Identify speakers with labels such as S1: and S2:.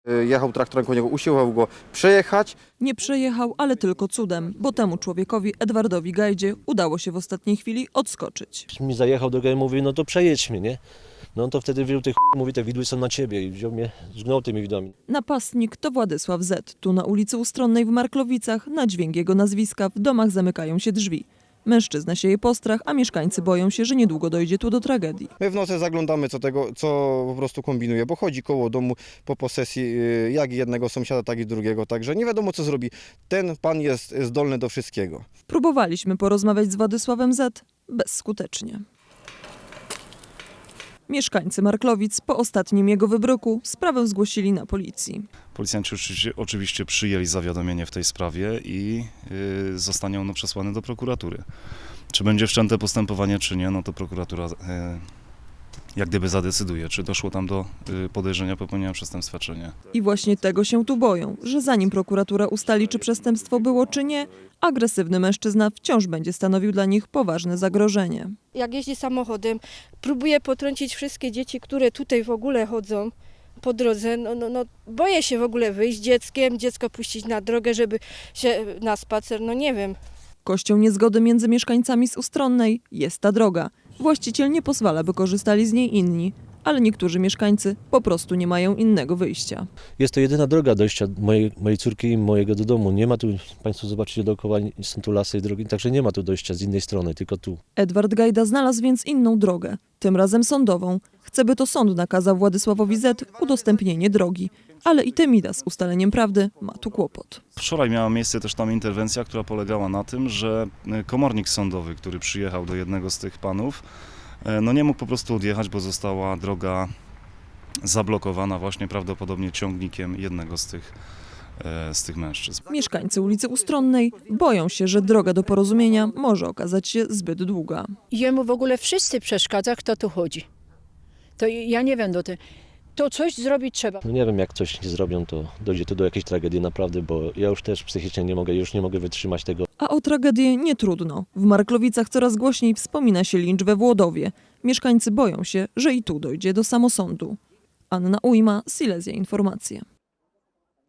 S1: Jechał traktorem koło niego, usiłował go przejechać.
S2: Nie przejechał, ale tylko cudem, bo temu człowiekowi, Edwardowi Gajdzie, udało się w ostatniej chwili odskoczyć.
S3: Mi zajechał drogę i mówi, no to przejedź mnie, nie? No to wtedy wziął tych mówi, te widły są na ciebie i wziął mnie, zgnął tymi widłami.
S2: Napastnik to Władysław Z. Tu na ulicy Ustronnej w Marklowicach, na dźwięk jego nazwiska, w domach zamykają się drzwi. Mężczyzna sieje postrach, a mieszkańcy boją się, że niedługo dojdzie tu do tragedii.
S1: My w nocy zaglądamy, co po prostu kombinuje, bo chodzi koło domu po posesji jak jednego sąsiada, tak i drugiego, także nie wiadomo co zrobi. Ten pan jest zdolny do wszystkiego.
S2: Próbowaliśmy porozmawiać z Władysławem Z. bezskutecznie. Mieszkańcy Marklowic po ostatnim jego wybryku sprawę zgłosili na policji.
S4: Policjanci oczywiście przyjęli zawiadomienie w tej sprawie i zostanie ono przesłane do prokuratury. Czy będzie wszczęte postępowanie, czy nie, no to prokuratura jak gdyby zadecyduje, czy doszło tam do podejrzenia popełnienia przestępstwa, czy nie.
S2: I właśnie tego się tu boją, że zanim prokuratura ustali, czy przestępstwo było, czy nie, agresywny mężczyzna wciąż będzie stanowił dla nich poważne zagrożenie.
S5: Jak jeździ samochodem, próbuje potrącić wszystkie dzieci, które tutaj w ogóle chodzą po drodze. Boję się w ogóle wyjść z dzieckiem, dziecko puścić na drogę, żeby się na spacer, no nie wiem.
S2: Kością niezgody między mieszkańcami z Ustronnej jest ta droga. Właściciel nie pozwala, by korzystali z niej inni, ale niektórzy mieszkańcy po prostu nie mają innego wyjścia.
S3: Jest to jedyna droga dojścia mojej córki i mojego do domu. Nie ma tu, Państwo zobaczycie dookoła, są tu lasy i drogi, także nie ma tu dojścia z innej strony, tylko tu.
S2: Edward Gajda znalazł więc inną drogę, tym razem sądową. Chce, by to sąd nakazał Władysławowi Z. udostępnienie drogi. Ale i Temida z ustaleniem prawdy ma tu kłopot.
S4: Wczoraj miała miejsce też tam interwencja, która polegała na tym, że komornik sądowy, który przyjechał do jednego z tych panów, no nie mógł po prostu odjechać, bo została droga zablokowana właśnie prawdopodobnie ciągnikiem jednego z tych mężczyzn.
S2: Mieszkańcy ulicy Ustronnej boją się, że droga do porozumienia może okazać się zbyt długa.
S6: Jemu w ogóle wszyscy przeszkadza, kto tu chodzi. To ja nie wiem, to coś zrobić trzeba.
S3: No nie wiem, jak coś nie zrobią, to dojdzie tu do jakiejś tragedii naprawdę, bo ja już też psychicznie nie mogę wytrzymać tego.
S2: A o tragedię nie trudno. W Marklowicach coraz głośniej wspomina się lincz we Włodowie. Mieszkańcy boją się, że i tu dojdzie do samosądu. Anna Ujma, Silesia Informacje.